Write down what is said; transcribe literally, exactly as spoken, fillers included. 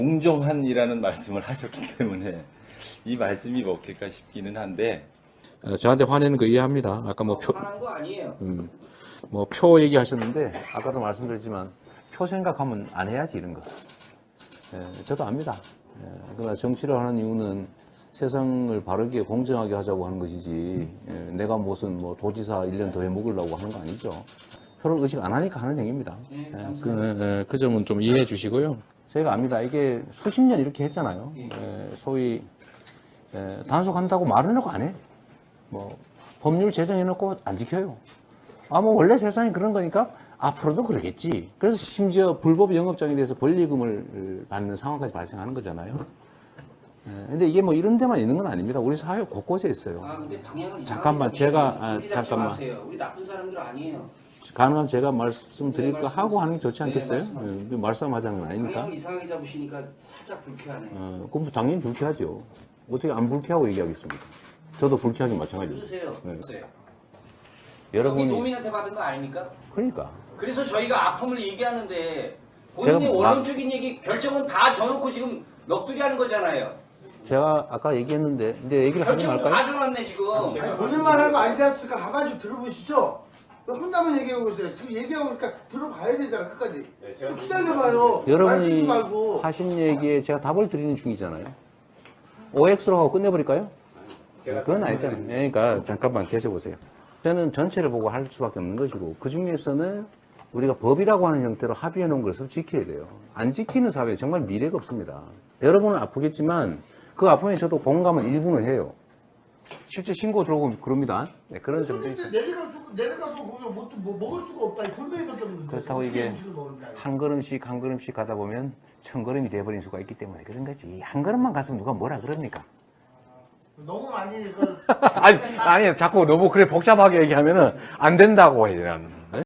공정한이라는 말씀을 하셨기 때문에 이 말씀이 먹힐까 싶기는 한데 어, 저한테 화내는 거 이해합니다. 아까 뭐 표, 화난 거 아니에요. 음, 뭐 표 얘기하셨는데 아까도 말씀드렸지만 표 생각하면 안 해야지 이런 거. 예, 저도 압니다. 예, 그러나 정치를 하는 이유는 세상을 바르게 공정하게 하자고 하는 것이지 예, 내가 무슨 뭐 도지사 일 년 더 해먹으려고 하는 거 아니죠. 표를 의식 안 하니까 하는 행위입니다. 네, 예, 그, 예, 그 점은 좀 이해해 주시고요. 저희가 압니다. 이게 수십 년 이렇게 했잖아요. 예, 소위 예, 단속한다고 말을 해놓고 안 해. 뭐 법률 제정해놓고 안 지켜요. 아 뭐 원래 세상이 그런 거니까 앞으로도 그러겠지. 그래서 심지어 불법 영업장에 대해서 권리금을 받는 상황까지 발생하는 거잖아요. 예, 근데 이게 뭐 이런 데만 있는 건 아닙니다. 우리 사회 곳곳에 있어요. 아 근데 방향을 잠깐만, 이상하게 제가- 잡으시면 아, 우리 잡지 잠깐만. 마세요. 우리 나쁜 사람들 아니에요. 가능하면 제가 말씀드릴 네, 거 하고 하는 게 좋지 네, 않겠어요? 말씀하세요. 예, 말씀하자는 건 아니니까. 방향을 이상하게 잡으시니까 살짝 불쾌하네. 어, 그럼 당연히 불쾌하죠. 어떻게 안 불쾌하고 얘기하겠습니까? 저도 불쾌하기 마찬가지죠. 들으세요. 네. 들으세요. 여러분이 여기 도민한테 받은 거 아닙니까? 그러니까 그래서 저희가 아픔을 얘기하는데 본인이 제가 원론적인 얘기 결정은 다 져놓고 지금 넋두리 하는 거잖아요. 제가 아까 얘기했는데 근데 얘기를 하지 결정은 말까요? 다 져놨네 지금. 아니, 본인만 하는 거 아니지 않습니까? 가가지고 들어보시죠. 왜 혼자만 얘기하고 있어요. 지금 얘기하고 있으니까 들어봐야 되잖아, 끝까지. 기다려봐요. 말 끊지 여러분이 말고. 하신 얘기에 제가 답을 드리는 중이잖아요. 오엑스로 하고 끝내버릴까요? 그건 아니잖아요. 그러니까 잠깐만 계셔보세요. 저는 전체를 보고 할 수밖에 없는 것이고 그 중에서는 우리가 법이라고 하는 형태로 합의해 놓은 것을 지켜야 돼요. 안 지키는 사회에 정말 미래가 없습니다. 여러분은 아프겠지만 그 아픔에 저도 공감은 일부는 해요. 실제 신고 들어오면 그럽니다. 네, 그런 점도 근데 있어요. 내려가서, 내려가서 거기 뭐, 뭐 먹을 수가 없다. 이 돌멩이밖에 없는데. 그렇다고 어떻게 이게 음식을 먹는다. 한 걸음씩 한 걸음씩 가다 보면 천 걸음이 돼버린 수가 있기 때문에 그런 거지. 한 걸음만 갔으면 누가 뭐라 그럽니까? 너무 많이, 그 아니, 아니, 자꾸 너무 그래 복잡하게 얘기하면은 안 된다고 해야 되나.